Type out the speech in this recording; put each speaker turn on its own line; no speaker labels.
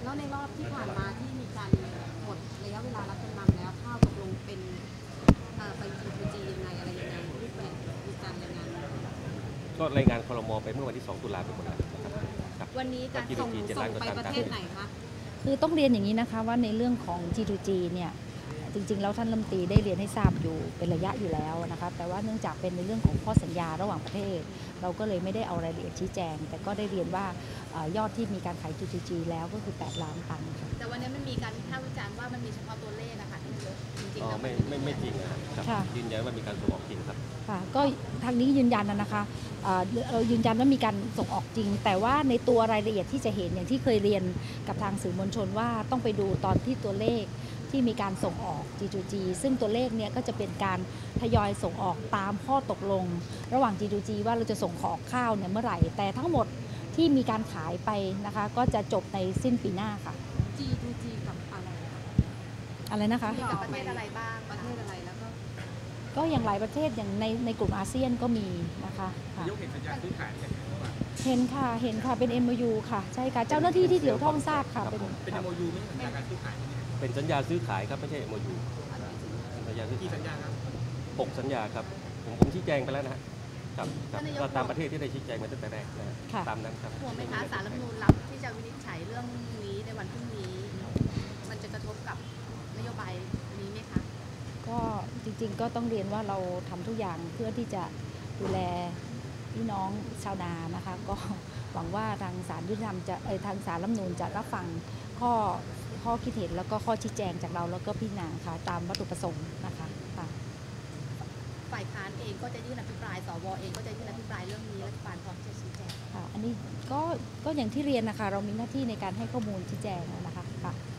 แล้วในรอบที่ผ่านมาที่มีการหมดระยะเวลารับจำนำแล้วข้าวตกลงเป็นไป G2G ยังไงอะไรยังไงรูปแบบมีการรายงาน
ก็รายงานครม.ไปเมื่อวันที่2 ตุลาไปหมดแล้วนะครับ
วันนี้การส่งไปประเทศไหนคะ
คือต้องเรียนอย่างนี้นะคะว่าในเรื่องของ G2G เนี่ยจริงๆแล้วท่านรัฐมนตรีได้เรียนให้ทราบอยู่เป็นระยะอยู่แล้วนะคะแต่ว่าเนื่องจากเป็นในเรื่องของข้อสัญญาระหว่างประเทศเราก็เลยไม่ได้เอารายละเอียดชี้แจงแต่ก็ได้เรียนว่ายอดที่มีการขาย G2G แล้วก็คือ8 ล้านตันค่ะ
แต่วันนี้มันมีการวิพากษ์วิจารณ์ว่ามันมีเฉพาะตัวเลขนะคะที่เยอะจริงๆ
แล้วไม่จริงนะครับยืนยันว่ามีการส่งออกจริงครับ
ค่ะก็ทางนี้ยืนยันนะคะเรายืนยันว่ามีการส่งออกจริงแต่ว่าในตัวรายละเอียดที่จะเห็นอย่างที่เคยเรียนกับทางสื่อมวลชนว่าต้องไปดูตอนที่ตัวเลขที่มีการส่งออก G2G ซึ่งตัวเลขเนี้ยก็จะเป็นการทยอยส่งออกตามข้อตกลงระหว่าง G2G ว่าเราจะส่งออกข้าวเนี่ยเมื่อไหร่แต่ทั้งหมดที่มีการขายไปนะคะก็จะจบในสิ้นปีหน้าค่ะ
G2G กับ
อะไรนะคะ
กับประเทศอะไรบ้างประเทศอะไรแล้ว
ก็อย่างหลายประเทศอย่างในกลุ่มอาเซียนก็มีนะคะ
ยกเห็นสัญญาซื้อขาย
เห็นค่ะเป็น MOU ค่ะใช่ค่ะเจ้าหน้าที่ที่เกี่ยวข้องทราบค่ะ
เป็น MOU ไม่ใช่สัญญาการซื้อขาย
เป็นสัญญาซื้อขายครับไม่ใช่ MOU สัญญาซื้อขาย
กี่สัญญาครับ
6 สัญญาครับผมชี้แจงไปแล้วนะครับก็ตามประเทศที่ได้ชี้แจงมาตั้งแต่แรกนะตามนั้นครับ
ห่วงไหมคะศาลรัฐธรรมนูญรับที่จะวินิจฉัยเรื่องนี้ในวันพรุ่งนี้มันจะกระทบกับนโยบายนี้ไหมคะ
ก็จริงๆก็ต้องเรียนว่าเราทำทุกอย่างเพื่อที่จะดูแลพี่น้องชาวนานะคะก็หวังว่าทางศาลยุติธรรมจะทางศาลรัฐธรรมนูญจะรับฟังข้อคิดเห็นแล้วก็ข้อชี้แจงจากเราแล้วก็พี่นาค่ะตามวัตถุประสงค์นะคะค่ะ
ฝ่ายค้านเองก็จะยื่นอภิปรายสวเองก็จะยื่นอภิปรายเรื่องนี้รัฐบาลพร้อมจะชี้แจง
ค่ะอันนี้ก็อย่างที่เรียนนะคะเรามีหน้าที่ในการให้ข้อมูลชี้แจงนะคะค่ะ